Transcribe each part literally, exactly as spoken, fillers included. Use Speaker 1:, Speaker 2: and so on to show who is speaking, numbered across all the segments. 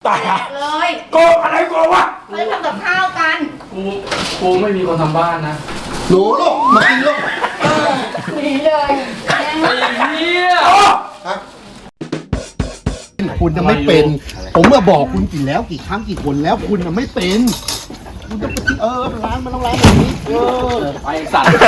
Speaker 1: ตาย
Speaker 2: เลย
Speaker 1: โกงอะไรโกงวะ
Speaker 2: เขาจะทำกับข้าวกัน
Speaker 3: กูกูไม่มีคนทำบ้านนะ
Speaker 4: หนูลูกมากินลูก
Speaker 2: หนีเลย
Speaker 3: ไอ้เหี้ย
Speaker 4: คุณจะไม่เป็นผมมาบอกคุณกี่แล้วกี่ครั้งกี่คนแล้วคุณจะไม่เป็นคุณจะเออล้างมันต้องล้างแบบนี้เออ
Speaker 3: ไปสัตว์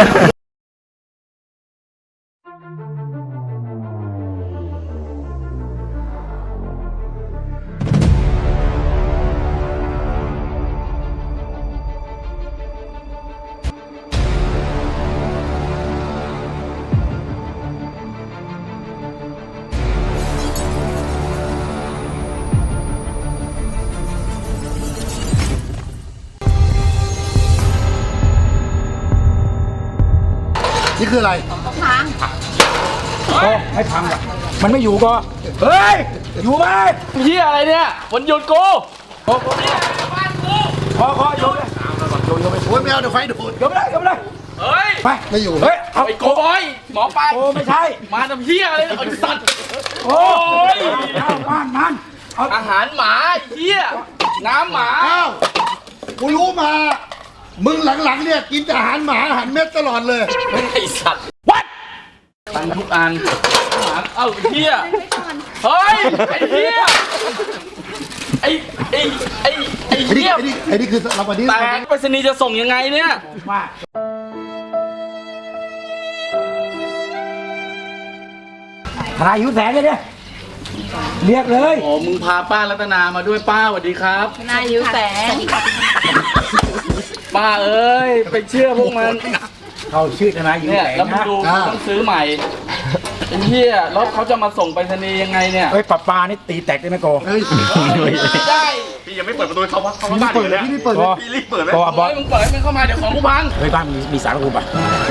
Speaker 4: นี่คืออะไร
Speaker 2: พัง
Speaker 1: โอ้ให้พังอ่ะมันไม่อยู่ก็เฮ้ยอยู่ไหม
Speaker 3: เหี้ยอะไรเนี่ยวันหยุดกู
Speaker 1: โอ้โหบ้านกูพอพอโยนเลยโยนโยนไป
Speaker 4: โอ้ยไม่เอาเดี๋ยวไฟดูด
Speaker 1: โยนไปเลยโยนไปเลย
Speaker 3: เฮ้ย
Speaker 1: ไป
Speaker 4: ไม่อยู่
Speaker 1: เฮ้ยเอา
Speaker 3: ไอ้โกบอยหมอปลา
Speaker 1: โอ้ไม่ใช่
Speaker 3: มาทำเหี้ยอะไรไอ้สัตว์
Speaker 1: โอ้ยเอาบ้านมัน
Speaker 3: อาหารหมาเหี้ยน้ำหมา
Speaker 4: อ้าวกูรู้มามึงหลังๆเนี่ยกินอาหารหมาอาหารเม็ดตลอดเลย
Speaker 3: ไอ้สัตว์วัดตั้งทุกอันหมาเอ้าเหี้ยเฮ้ยไอ้เหี้ยไอ้ไอ้ไอ้ไอ้เหี้ย
Speaker 4: ไอ้นี่ไอ้นี่คือเราวันนี้
Speaker 3: แต่ไปรษณีย์จะส่งยังไงเนี่ย
Speaker 1: ว่าทนายยุทธแสนเลยเนี่ยเรียกเลย
Speaker 3: โอ้มึงพาป้ารัตนามาด้วยป้าสวัสดีครับ
Speaker 2: นายยุแสง
Speaker 3: ป้าเอ้ยไปเชื่อพวกมัน
Speaker 1: เขาชื่อทนายยุทธ
Speaker 3: เนี่ย
Speaker 1: แสง
Speaker 3: แล้วมึงดูต้องซื้อใหม่ไอ้เหี้ยแล้วเขาจะมาส่งไปรษณีย์ยังไงเนี่ย
Speaker 1: เฮ้ยปลาปลานี่ตีแตกได้ไหมโก
Speaker 3: ไม่ได้
Speaker 5: พี่ยังไม่เปิดประตูเขาวะเขา
Speaker 4: พี่
Speaker 5: บ้าน
Speaker 4: เปิด
Speaker 5: เลย
Speaker 4: พี่ไม่เปิด
Speaker 5: พี่รีบเปิดไหม
Speaker 1: ก็บอส
Speaker 3: มึงเปิดให้มันเข้ามาเดี๋ยวของกูพัง
Speaker 1: เฮ้ยบ้านมีมีสารกูป่ะ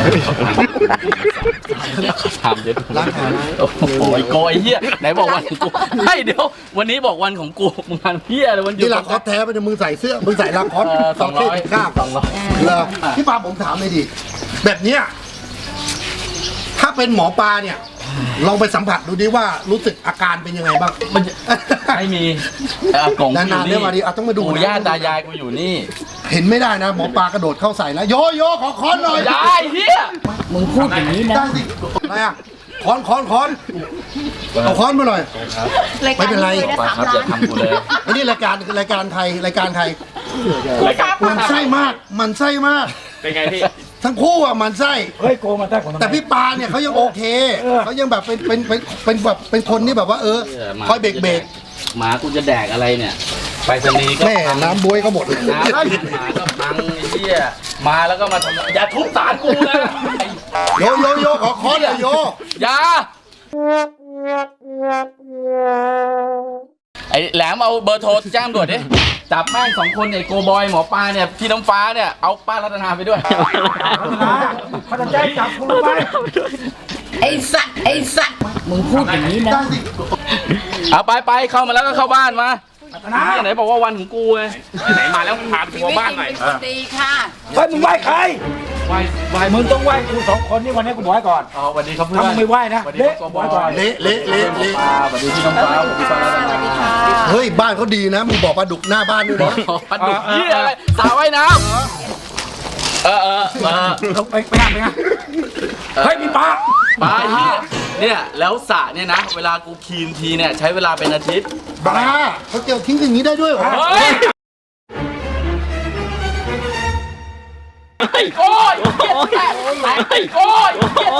Speaker 3: ทำเด็ดล้างแผลโอ้โหโกไอ้เหี้ยไหนบอกวันของกูให้เดี๋ยววันนี้บอกวันของกูมึงงานเหี้ยเลยวันหยุด
Speaker 4: นี่ลาคอสแท้ไปเนี่ยมึงใส่เสื้อมึงใส่ลาคอส
Speaker 3: สองร้อย
Speaker 4: ข้าวสองร้อยเลยพี่ปาผมถามเลยดิแบบเนี้ยถ้าเป็นหมอปลาเนี่ยลองไปสัมผัสดูดิว่ารู้สึกอาการเป็นยังไงบ้าง
Speaker 3: มันไม่มีอากง
Speaker 4: นานๆเนี่ยมาดิเอาต้องมาดู
Speaker 3: ปู่ย่าตายายกูอยู่นี่
Speaker 4: เห็นไม่ได้นะหมอปลากระโดดเข้าใส่แล้วโยโย่ขอค้อนหน่อย
Speaker 3: ได้เฮีย
Speaker 1: มึงพูดอย่างนี้นะ
Speaker 4: ได้สิอะไรอ่ะค้อนค้อนค้อนเอาค้อนมาหน่อยไม่เป็นไร
Speaker 3: ครับอย่าทำกูเลย
Speaker 4: ไอ้นี่รายการรายการไทยรายการไทยมันไส้มากมันไส้มาก
Speaker 5: เป็นไงพี่
Speaker 4: ทั้งคู่อ่ะมันไส้
Speaker 1: เฮ้ยโกมาได้ของ
Speaker 4: แต่พี่ปาเนี่ยเขายังโอเคเขายังแบบเป็นเป็นเป็นเป็นแบบเป็นคนที่แบบว่าเออคอยเบรกเบรก
Speaker 3: หมากูจะแดกอะไรเนี่ยไปสนีก็
Speaker 4: แม่น้ำบวยก็หมด
Speaker 3: น้ำหมาก็พังไอ้เหี้ยมาแล้วก็มาทำอย่าทุบสารกูนะ
Speaker 4: โยโยโยขอค้อนเลยโย
Speaker 3: อย่าไอ้แหลมเอาเบอร์โทรแจ้งด่วนดิจับแม่งสองคนไอ้โกบอยหมอปลาเนี่ยพี่น้ำฟ้าเนี่ยเอาป้ารัตนาไปด้วย
Speaker 1: เขาจะแจ้งจับกูไป
Speaker 2: ไอ้สัตว์ไอ้สัตว์มึงพูดอย่างนี้นะ
Speaker 3: เอาไปไปเข้ามาแล้วก็เข้าบ้านมาไหนบอกว่าวันของกูไง
Speaker 5: ไหนมาแล้วพาไปทัวร์บ้านหน่อย
Speaker 2: ดีค่ะ
Speaker 1: เฮ้ยมึงไหว้ใคร
Speaker 3: ไหว้ไหว้
Speaker 1: มึงต้องไหว้กูสองคนนี่วันนี้กูบอกให้ก่อน
Speaker 3: อ๋อวันนี้เขาเพื่อน
Speaker 1: ถ้ามึงไม่ไหว้นะเละไหว้ก่อน
Speaker 4: เละเละเละเละ
Speaker 3: วันนี้พี่น้องฟ้าพี่ฟ้าแล้วนะ
Speaker 4: เฮ้ยบ้านเขาดีนะมึงบอกปลาดุกหน้าบ้านด้วยนะ
Speaker 3: ปลาดุกยี่อะไรสาวว่ายน้ำเออเออเออ
Speaker 1: ไปไปงานไปงานเฮ้ยมีปลา
Speaker 3: ปลาเฮียเนี่ยแล้วสระเนี่ยนะเวลากูคีนทีเนี่ยใช้เวลาเป็นอาทิตย์
Speaker 4: ปลาเขาเกี่ยวทิ้งอย่างนี้ได้ด้วยเหรอ
Speaker 3: ไอ้โก้ยไอ้โก้ย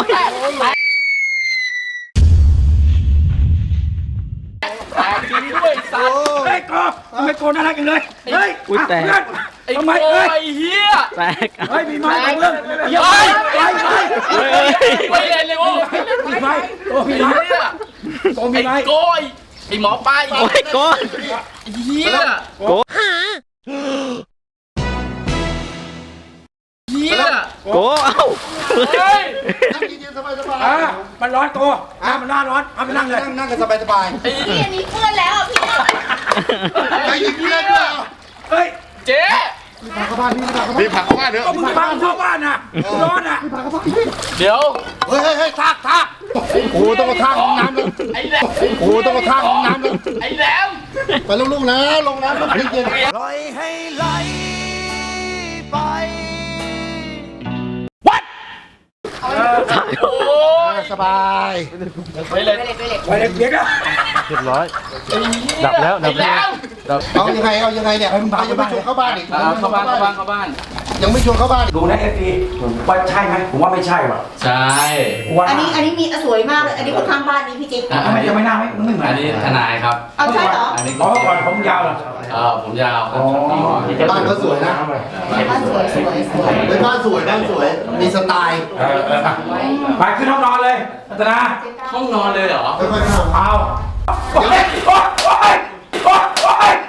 Speaker 3: แตกจริงด้วยสัตว์
Speaker 1: เฮ้ยโก้ทำไมโก้น่ารักกันเลยเฮ้ย
Speaker 3: อุ้ยแตกไอ้โก้ไอ้เฮีย
Speaker 1: แตกเฮ้ยมีไม้เรื่อง
Speaker 3: เฮ้ยไปไปไปเล่นเลยโอ้
Speaker 1: มีไม้โก้มีไม้โก้มีไม้
Speaker 3: ไอ้โก้ยไอ้หมอปลาไอ้โก้เฮียโก้เฮีย
Speaker 1: โก้เอ้า
Speaker 4: เฮ้ยนั่งเย็นๆสบายๆอ่ะ
Speaker 1: มันร้อนโก้อ่ะมันน่าร้อนเอาไปนั่งเลย
Speaker 4: นั่งกันสบายๆ
Speaker 2: พี่อันนี้เพื่อนแล้วพี่
Speaker 4: ไปยิงเพื่อนด้วย
Speaker 1: เฮ้ย
Speaker 3: เจ๊
Speaker 4: พี่พาเข้าบ้านพี่พาเข้าบ้าน
Speaker 5: พี่พาเข้าบ้านเถอะ
Speaker 1: ก็มึงพาเข้าบ้านน่ะร้อนน่ะ
Speaker 4: พี่พาเข้าบ้าน
Speaker 3: เดี๋ยว
Speaker 4: เฮ้ยเฮ้ยทากทากโอ้ต้องกระทางลงน้ำเลย
Speaker 3: ไอ้แหลม
Speaker 4: โอ้ต้องกระทางลงน้ำเลย
Speaker 3: ไอ้แหลม
Speaker 4: ไปลูกๆนะลงน้ำลูกเย็น
Speaker 6: ปล่อยให้ไหลไป
Speaker 3: โอ้ย
Speaker 4: ๆสบาย
Speaker 3: ไปเลย
Speaker 1: ไปเลยเบียดอ่ะ
Speaker 5: เรียบร้อย ดับแล้วดั
Speaker 3: ไอ้
Speaker 5: บ
Speaker 3: แหล
Speaker 5: แล้ว
Speaker 3: ม
Speaker 4: เอายังไงเอายังไงเนี่ยยังไม่ชวนเข้าบ้านอีก
Speaker 3: อ่าเข้าบ้านเข้าบ้านเข้าบ้าน
Speaker 4: ยังไม่ชวนเข้าบ้านอีก
Speaker 1: ดูนะเอฟซีว่าใช่ไหมผมว่าไม่ใช่ว่ะ
Speaker 3: ใช่
Speaker 1: ว่า
Speaker 2: อันนี้อันนี้มีสวยมากเลยอันนี้คนข้างบ้านนี้พี่จิ๊ก
Speaker 3: อ่ะ
Speaker 1: ทำไมจะไม่น่าไม่ไม่เหมือน
Speaker 3: อันนี้ทนายครับ
Speaker 2: เอาใช่เหรอ
Speaker 3: อันนี้
Speaker 1: อ๋อก่อนผมยาวเหรอ
Speaker 3: เออผมยาวครับ
Speaker 4: บ้านเขาสวยนะ
Speaker 2: บ้านสวยสวยสวย
Speaker 4: เป็นบ้านสวยบ้านสวยมีสไตล์
Speaker 1: เออเออไปขึ้นห้องนอนเลยรัตนา
Speaker 3: ห้องนอนเลยเหรอ
Speaker 4: ค่อยๆเข้า
Speaker 1: เอาโอ๊ยโอ๊ยโอ๊ยโอ๊ยโอ๊ย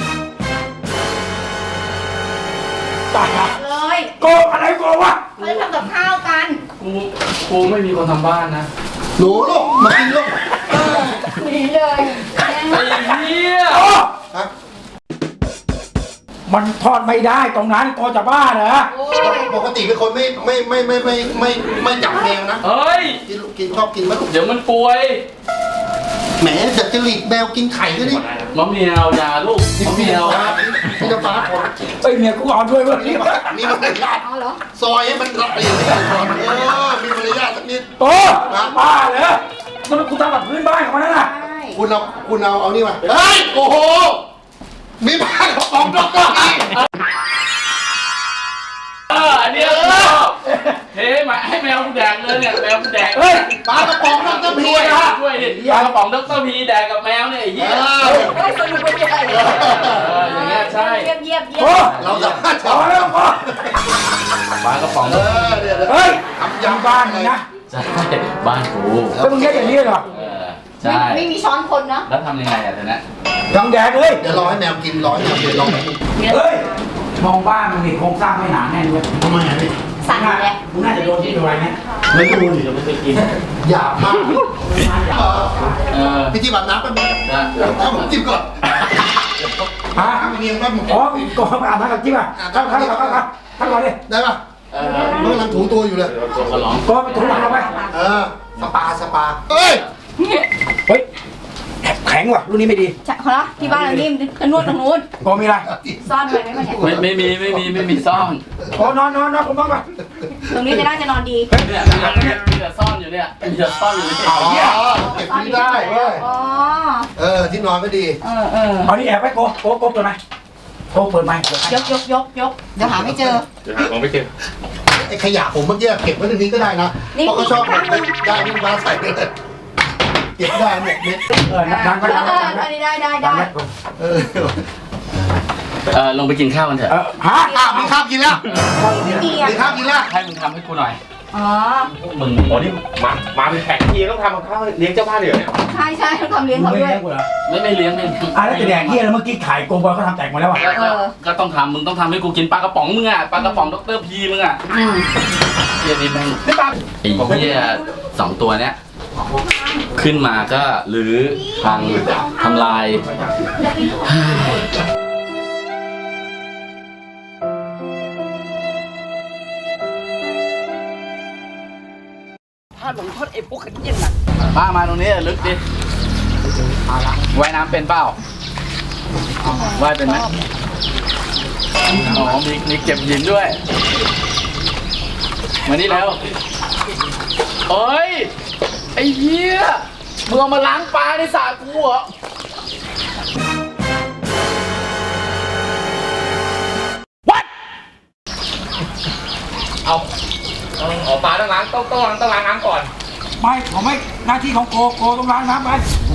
Speaker 1: ตายละ
Speaker 2: เลย
Speaker 1: โกงอะไรโกงวะ
Speaker 2: เขาจะทำกับข้าวกัน
Speaker 3: กูกูไม่มีคนทำบ้านนะ
Speaker 4: หนูลูกมากินลูก
Speaker 2: หนีเลย
Speaker 3: ไอ้เหี้ย
Speaker 1: โอ้
Speaker 4: ฮะ
Speaker 1: มันทอดไม่ได้ตรงนั้นโกจะบ้าเหรอ
Speaker 2: โอ้ย
Speaker 4: ปกติเป็นคนไม่ไม่ไม่ไม่ไม่ไม่ไม่จับแมวนะ
Speaker 3: เฮ้ย
Speaker 4: กินกินชอบกินมะ
Speaker 3: เดี๋ยวมันป่วย
Speaker 4: แหมจัดจริตแมวกินไข่ด้วยนี่
Speaker 3: มะเมียวยาลูกมะเมียว
Speaker 4: พี่จะฟ้าผม
Speaker 1: เอ้ยเมียกูเอาด้วยเว้ย
Speaker 4: มีมีมารยาท
Speaker 2: เอาเหรอ
Speaker 4: ซอยให้มันละเอียดก่อนเออมีมารยาทสักนิด
Speaker 1: โอ้บ้าเหรอมันกูทำแบบพื้นบ้านของมันนั่นน่ะ
Speaker 2: ใช่
Speaker 4: คุณเอาคุณเอาเอานี่มาเฮ้ยโอ้โหมีบ้านของดอกเตอรนี่
Speaker 3: เอออันเนี้ยกูชอบเฮ้ยมาให้แมวกูแดกเลยเนี่ยแมวกูแดก
Speaker 1: เฮ้ย
Speaker 4: ปลากระป๋องดอกเตอรพี
Speaker 3: ช่วย
Speaker 4: นะ
Speaker 3: ช่วยดิปลากระป๋องดรพีแดกกับแมวเนี่ยไอ้
Speaker 4: เอ
Speaker 3: เหี้ย
Speaker 4: อ
Speaker 2: เฮ้ยสนุกไปใหญ่เลย
Speaker 3: เอออย่างเงี้ยใช่
Speaker 2: เยี่ยมเยี่ยมเยี่ย
Speaker 1: โอ้
Speaker 2: ม
Speaker 4: เราสามารถ
Speaker 1: พอแล้วพอ
Speaker 3: ปลากระป๋อง
Speaker 4: เออเดี๋ยว
Speaker 1: เฮ้ยทำยำบ้านมึงนะ
Speaker 3: ใช่บ้านกู
Speaker 1: แล้วมึงแค่อย่างนี้เหรอ
Speaker 3: เออ
Speaker 2: ไม่
Speaker 3: ใช่
Speaker 2: ไม่มีช้อนคนนะ
Speaker 3: แล้วทำยังไงอ่ะทีนี้
Speaker 1: ยังแดกเลย
Speaker 4: เดี๋ยวรอให้แมวกินรอให้แมวกินรอ
Speaker 1: เฮ้ยมองบ้านมึงนี่โครงสร้างไม่หนาแน่นเลย
Speaker 4: ทำไมอ่ะพี่
Speaker 2: สั่นอยู่แล้ว
Speaker 1: มึงน่าจะโดนที่อะไรเนี่ย
Speaker 4: ไม่ดูดิเดี๋ยวไม่ไปกินหยาบมาก
Speaker 3: เออ
Speaker 4: พี่ที่แบบน้ำแป๊บนึง
Speaker 3: นะ
Speaker 4: เอาผมจิ้มก่อน
Speaker 1: ฮะ
Speaker 4: น้ำเงียบแป๊บนึง
Speaker 1: อ๋อก่อนอาบน้ำกับจิ๊บอ่ะเข้าเข้าเข้าเข้าเข้าก่อนดิ
Speaker 4: ได้ป่ะ
Speaker 3: เออ
Speaker 4: มันกำลังถูตัวอยู่เลย
Speaker 3: ตัวขอร้อง
Speaker 1: ก่อนไปถูหลังเราไป
Speaker 4: เออสปาสปาเฮ้ย
Speaker 1: เฮ้ยแข็งว่ะรุ่นนี้ไม่ดี
Speaker 2: ใช่เหรอที่บ้านเรานิ่มนวดตรงนู้น
Speaker 1: ก่อนมีอะไร
Speaker 2: ซ่อนไว้ไหมมันเนี่ย
Speaker 3: ไม่ไม่มีไม่มีไม่มีซ่อน
Speaker 1: ก่อนนอนนอนนอนผมนอนก่อน
Speaker 2: ตรงนี้จะน่าจะนอนดี
Speaker 3: เนี่ยเนี่ยมีแต่ซ่อนอยู่เนี่ยมีแต่ซ่อนอยู่เนี่ย
Speaker 1: เอา
Speaker 4: อ๋อ
Speaker 1: เหี้ย
Speaker 4: เก็บนี้ได้เว้ย
Speaker 2: อ๋อ
Speaker 4: เออที่นอนก็ดี
Speaker 2: เออเออ
Speaker 1: เอานี่แอบไว้โกโกโกเปิดไหมโกเปิดไหม
Speaker 2: ยกยกยกยกเดี๋ยวหาไม่เจอ
Speaker 5: เดี๋ยวหาของไม่เจอ
Speaker 4: ไอ้ขยะผมเมื่อกี้เก็บไว้ตรงนี้ก็ได้นะ
Speaker 2: นี่
Speaker 4: เพราะเขาชอบ
Speaker 2: นี่
Speaker 4: ผมได้นี่มาใส่ไปเลยเก็บได้หมดเม็ด
Speaker 1: เออดังก็ดัง
Speaker 2: เอ
Speaker 1: ก็
Speaker 2: อ
Speaker 1: ดัง
Speaker 2: อันนี้ได้ได้
Speaker 1: ดั
Speaker 2: ได้
Speaker 1: งไหม
Speaker 4: เออ
Speaker 3: เออลงไปกินข้าวกันเถ
Speaker 1: เอ
Speaker 3: อะ
Speaker 1: อฮะ
Speaker 4: อ่ะมีข้าวกินแล้ว
Speaker 2: ไม่มีอ่ะ
Speaker 4: มีข้าวกินแล้ว
Speaker 3: ให้มึงทำให้กูหน่อย
Speaker 2: อ๋อ
Speaker 3: มึง
Speaker 5: โอ้นี่มา มาเป็นแขกทีต้องทำกับข้าวเลี้ยงเจ้าบ้านเลยเหรอเนี่ย
Speaker 2: ใช่ใช่ต้องทำเลี้ยง
Speaker 1: มึง
Speaker 2: เขา
Speaker 1: ไม่
Speaker 2: ด้วย
Speaker 1: เลี้ยงกูเหรอ
Speaker 3: ไม่ไม่เลี้ยงไม่
Speaker 1: อ่ะแล้วจะแดกเหี้ยแล้วเมื่อกี้ขายโกบอยเขาทำแตกหมดแล้วอ่ะ
Speaker 3: ก็ก็ก็ต้องทำมึงต้องทำให้กูกินปลากระป๋องมึงอ่ะปลากระป๋องดรพีมึงอ่ะ
Speaker 2: อืม
Speaker 3: เฮียนี่แม่งไอ้เฮียสองตัวเนี้ยขึ้นมาก็หรือพังทำลาย
Speaker 2: ทอดหลงทอดไอ้พวกขันเย็นน่ะ
Speaker 3: ป้ามาตรงนี้ลึกดิว่ายน้ำเป็นเปล่าว่ายเป็นไหมอ๋อมีมีเก็บหินด้วย มานี่แล้วเอ้ย ไอ้เหี้ยมึงเอามาล้างปลาในสระกูเหรอ
Speaker 5: เอาต้องออกปลาต้องล้างต้องต้องล้างต้องล้างน้ำก่อน
Speaker 1: ไม่ผมไม่หน้าที่ของโกโกต้องล้างน้ำไป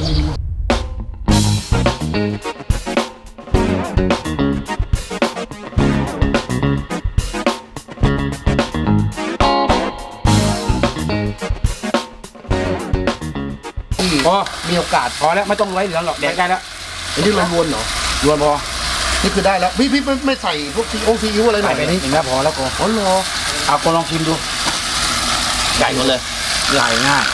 Speaker 1: พอมีโอกาสพอแล้วไม่ต้องไว้เหลืองหรอกแดกได้แล้ว
Speaker 4: อันนี้เราวนเหรอ
Speaker 1: รวนพอ
Speaker 4: นี่คือได้แล้ว พี่พี่ไม่ไม่ใส่พวกซีโอซีอิ๊วอะไรหน่
Speaker 1: ใส่
Speaker 4: อย
Speaker 1: ไปนิดนึงแล้วพอแล้วโก
Speaker 4: อ๋อเหรอ
Speaker 1: เอาโกลองชิมดู
Speaker 3: ใหญ่หมดเลย
Speaker 1: ใหญ่ง่าย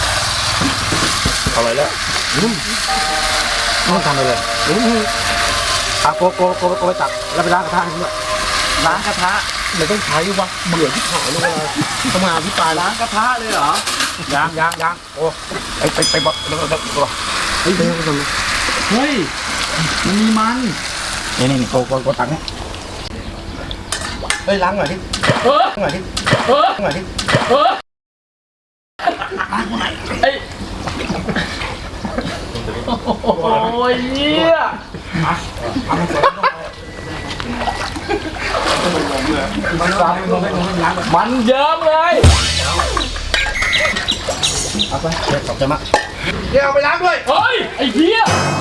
Speaker 1: เอาเลยแล้วอืมไม่ต้องทำไปเลยอืมเอาโกโกโกโกไปตักแล้วไปล้างกระทะให้ด้วย
Speaker 3: ล้างกระทะ
Speaker 4: เราต้องใช้วะเบื่อที่ขายเลยเวลาทำงานพิปรายแล้ว
Speaker 3: ล้างกระทะเลยเหรอ
Speaker 1: ยางยางยางโอ้ไปไปไปบอกเดี๋ยวเดี๋ยวตัว
Speaker 4: เฮ้ยเดี๋ยวก่อนนะ
Speaker 3: เฮ้ยมันมีมัน
Speaker 1: นี่นี่นี่โกโกโกตังเนี่ย
Speaker 4: เฮ้ยล้างหน่อยดิ
Speaker 3: เออ
Speaker 4: ล้างหน่อยดิ
Speaker 3: เออ
Speaker 4: ล้างหน่อยดิ
Speaker 3: เออไอ้โอ้ยเหี้ยมันเยิ้มเลย
Speaker 1: เอาไปเดี๋ยวขอบใจมาก
Speaker 4: เดี๋ยวเอาไปล้างด้วย
Speaker 3: เฮ้ยไอ้เหี้ย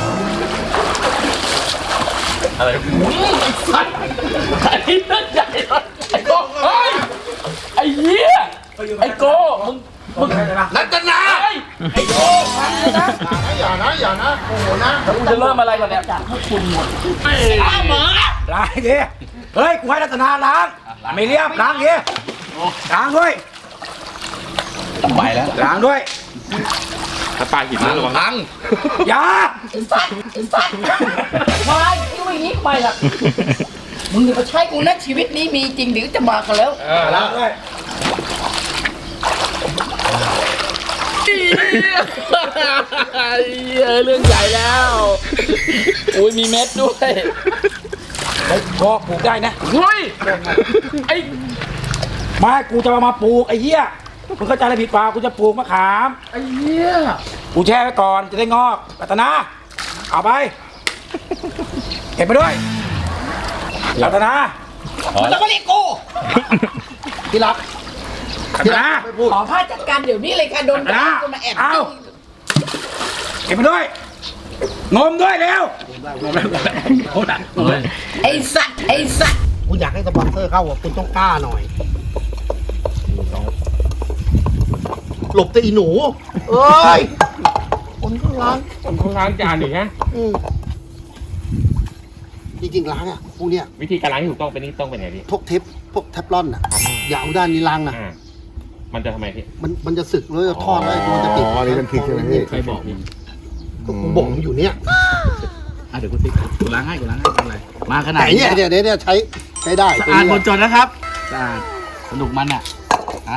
Speaker 3: อะไรไอ้สัตว์ไอ้เลือดใหญ่เลยไอ้โก้เฮ้ยไอ้เหี้ยไอ้โก้มึงมึง
Speaker 4: รัตนา
Speaker 3: ไอ้ไอ้โก้ฟังเลยนะ
Speaker 4: อย่านะอย่านะโอ้โหนะ
Speaker 3: แล้วกูจะเริ่มอะไรก่อนเนี่ยไอ้หมา
Speaker 1: ล้างดิเฮ้ยกูให้รัตนาล้างไม่เรียบล้างดิล้างด้วยไปแล้วล้างด้วย
Speaker 5: ถ้าปลาหินนะระวัง
Speaker 3: พัง
Speaker 1: อย่า
Speaker 2: สัตว์สัตว์มาที่ว่าอย่างนี้ไปล่ะมึงอย่ามาใช้กูนะชีวิตนี้มีจริงหรือจะมากันแล้ว
Speaker 5: เออแล้ว
Speaker 1: ด้วย
Speaker 3: เออเรื่องใหญ่แล้วอุ้ยมีเม็ดด้วย
Speaker 1: เฮ้ยพอปลูกได้นะ
Speaker 3: เฮ้ยไอ้
Speaker 1: ไมากูจะมามาปลูกไอ้เหี้ยมึงเข้าใจอะไรผิดเปล่ากูจะปลูกมะขาม
Speaker 3: ไอ้เหี้ย
Speaker 1: กูแช่ไว้ก่อนจะได้งอกรัตนาเอาไปเก็บไปด้วยรัตนา
Speaker 2: แล้วก็เรียกกู
Speaker 1: ที่รักรัตนา
Speaker 2: ขอผ้าจัดการเดี๋ยวนี้เลยค่ะโดน
Speaker 1: รัตนา
Speaker 2: คนมาแอบ
Speaker 1: เอาเก็บไปด้วยงมด้วยเร็วงมแล้วงมแล้วโอ้ย
Speaker 2: ไอ้สัตว์ไอ้สัตว์
Speaker 4: คุณอยากให้สปอนเซอร์เข้าอ่ะคุณต้องกล้าหน่อยหลบแต่อีหนูเอ้ยคนก็ล้าง
Speaker 5: ผมต้องล้างจานหนึ่งนะ
Speaker 4: อืมจริงๆล้างอ่ะพวกเนี้ย
Speaker 5: วิธีการล้างที่ถูกต้องเป็นนี่ต้องเป็นไงพี่
Speaker 4: พวกเทปพวกเทฟลอนอ่ะอย่าเอาด้านนี้ล้างนะ
Speaker 5: อ่ามันจะทำไมพี่
Speaker 4: มันมันจะสึกแล้วจะทอดแล้วมันจะติดอ๋อนี่เป็นพริกใช่ไหมพี่
Speaker 3: ใครบอกมึง
Speaker 4: ก็กูบอกมันอยู่เนี้ย
Speaker 3: อ่ะเดี๋ยวกูติ๊กกูล้างให้กูล้างให้อะไรมาขนาด
Speaker 4: แต่เนี่ยเนี่ยเนี่ยใช้ใช้ได้
Speaker 3: สะ
Speaker 4: ตัว
Speaker 3: อาด
Speaker 4: นี้
Speaker 3: หมดจดนะครับสะอาดสนุกมันอ่ะอ่ะ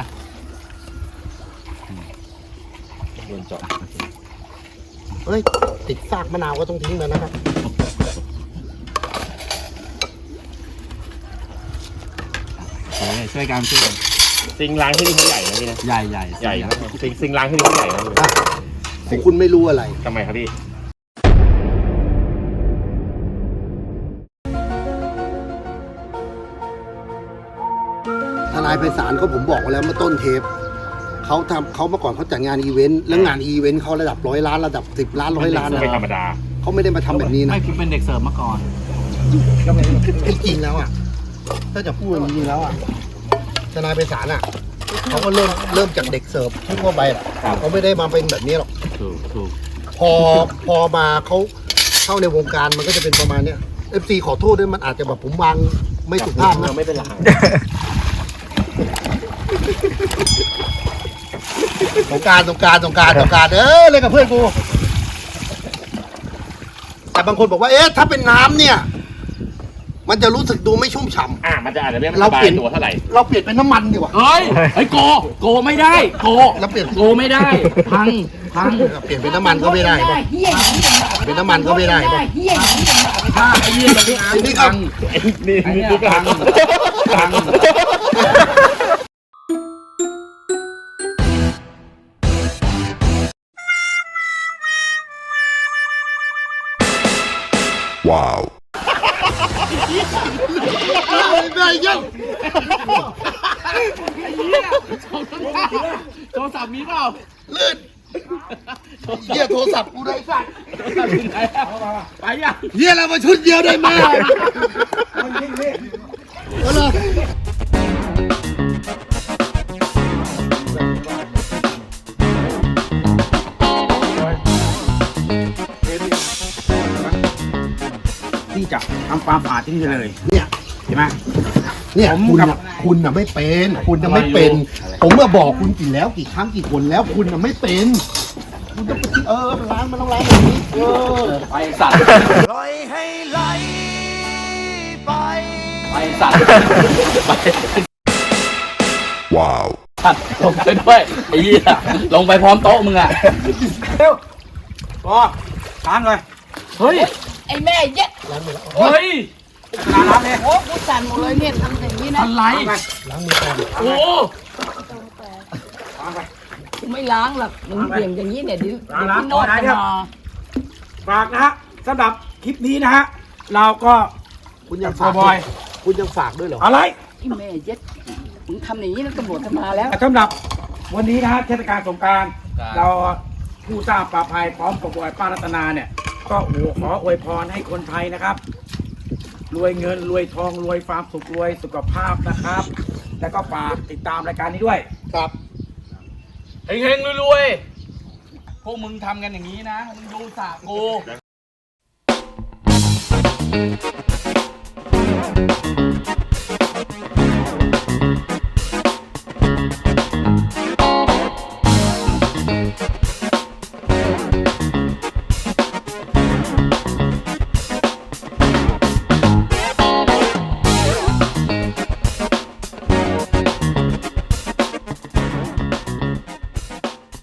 Speaker 5: โดนเจาะ
Speaker 4: เฮ้ยติดซากมะนาวก็ต้องทิ้งแล้วนะครับ
Speaker 3: ช่วยกันช่วยกัน
Speaker 5: ซิงล้างที่นี่เขาใหญ่นะพี่นะ
Speaker 3: ใหญ่ใหญ่
Speaker 5: ใหญ่นะซิงซิงล้างที่นี่เขาใหญ่นะ
Speaker 4: อ่ะของคุณไม่รู้อะไร
Speaker 5: ทำไมครับพี่
Speaker 4: ทนายไพศาลเขาผมบอกไว้แล้วเมื่อต้นเทปเขาทำเขาเมื่อก่อนเขาจัดงานอีเวนต์แล้วงานอีเวนต์เขาระดับร้อยล้านระดับสิบล้านร้อยล้าน
Speaker 5: ไม่ธรรมดา
Speaker 4: เขาไม่ได้มาทำแบบนี้นะ
Speaker 3: ไม่คือเป็นเด็กเสิร์ฟมาก่อน
Speaker 4: จริงๆแล้วอ่ะถ้าจะพูดจริงๆแล้วอ่ะทนายไพศาลอ่ะเขาก็เริ่มเริ่มจากเด็กเสิร์ฟทั่วไปแหละเขาไม่ได้มาเป็นแบบนี้หรอก
Speaker 3: ถูกถูก
Speaker 4: พอพอมาเขาเข้าในวงการมันก็จะเป็นประมาณเนี้ยเอฟซีขอโทษด้วยมันอาจจะแบบผมวางไม่สุภาพนะ
Speaker 5: ไม่เป็นไร
Speaker 4: สงกรารสงกรารสงกรารสงกรารเออเล่นกับเพื่อนกูแต่บางคนบอกว่าเอ๊ะถ้าเป็นน้ำเนี่ย มันจะรู้สึกดูไม่ชุ่มฉ่ำ
Speaker 5: อ่ามันจะอาจจะไม่ส
Speaker 4: เรา
Speaker 5: บา
Speaker 4: เปลี่
Speaker 5: ย
Speaker 4: ยน
Speaker 5: ตัวเท่าไหร่
Speaker 4: เราเปลี่ยนเป็นน้ำมันดีกว่า
Speaker 3: เฮ้ยเฮ้ยโกโกไม่ได้โก
Speaker 4: เราเปลี่ยน
Speaker 3: โกไม่ได้ พังพัง
Speaker 4: เปลี่ยนเป็นน้ำมันก็ไม่ได้ป่ะ
Speaker 2: เฮี้ย
Speaker 4: เป็นน้ำมันก็ไม่ได้ป่ะ
Speaker 2: เฮี้ย
Speaker 3: ถ้าไอ้เหี้ยแบบนี้
Speaker 4: ทีนี้ก็
Speaker 3: พัง
Speaker 5: นี่
Speaker 3: ไอ้
Speaker 5: นี่
Speaker 3: เนี่ย
Speaker 5: ก็
Speaker 3: พังพัง
Speaker 4: ได้ยัง
Speaker 3: โทรศัพท์มีเปล่า
Speaker 4: ลื่นเหี้ยโทรศัพท์กูได้สัตว์
Speaker 3: ไปยัง
Speaker 4: เหี้ยเรามาชุดเดียวได้ไหมเอาเลย
Speaker 1: ที่จะทำความสะอาดที่นี่เลย
Speaker 4: เนี่ย
Speaker 1: ใช่ไหม
Speaker 4: เนี่ย
Speaker 1: ผม
Speaker 4: คุณ
Speaker 1: กับ
Speaker 4: น่ะคุณน่ะไม่เป็น คุณน่ะไม่เป็น ผมเมื่อบอกคุณกี่แล้วกี่ครั้งกี่คนแล้วคุณน่ะไม่เป็น คุณต้องไปเออมันล้างมันต้องล้างแบบนี้เออ
Speaker 3: ไปสัตว์
Speaker 6: ปล่อยให้ไหลไป
Speaker 3: ไปสัตว์สัตว์ลงไปด้วยไอ้เหี้ยลงไปพร้อมโต๊ะมึงอ่ะ
Speaker 1: เร็วพอล้างเลย
Speaker 3: เฮ้ย
Speaker 2: ไอ้แม่เย็ด
Speaker 3: เฮ้ย
Speaker 1: ล้างล้างเลย
Speaker 2: โอ้กูสั่นหมดเลยเนี่ยทำอย่างนี้นะ
Speaker 3: อะไร
Speaker 1: ล้างไป
Speaker 4: ล้างมือก่อน
Speaker 3: โอ้
Speaker 1: ล้างไป
Speaker 2: กูไม่ล้างหรอกมึงเบี่ยงอย่างนี้เนี่ยเดี๋ยวเดี๋ยว
Speaker 1: ล้าง
Speaker 2: พี่โน้ต
Speaker 1: ล้าง
Speaker 2: จะมา
Speaker 1: ฝากนะฮะสำหรับคลิปนี้นะฮะเราก็
Speaker 4: คุณยัง
Speaker 1: โก
Speaker 4: ฝาก
Speaker 1: บอย
Speaker 4: คุณยังฝากด้วยเหรอ
Speaker 1: อะไร
Speaker 2: ไอ้แม่เย็ดมึงทำอย่างนี้แล้วตำรวจจะมาแล้ว
Speaker 1: สำหรับวันนี้นะฮะเทศกาลสงกรานต์เราผู้สร้างป่าภัยพร้อมกับบอยป้ารัตนาเนี่ย ก็โอ้โหขออวยพรให้คนไทยนะครับ รวยเงินรวยทองรวยความสุขรวยสุขภาพนะครับ แล้วก็ฝากติดตามรายการนี้ด้วย
Speaker 4: ครับ
Speaker 3: เฮงๆรวยๆพวกมึงทำกันอย่างนี้นะ มึงดูสระกู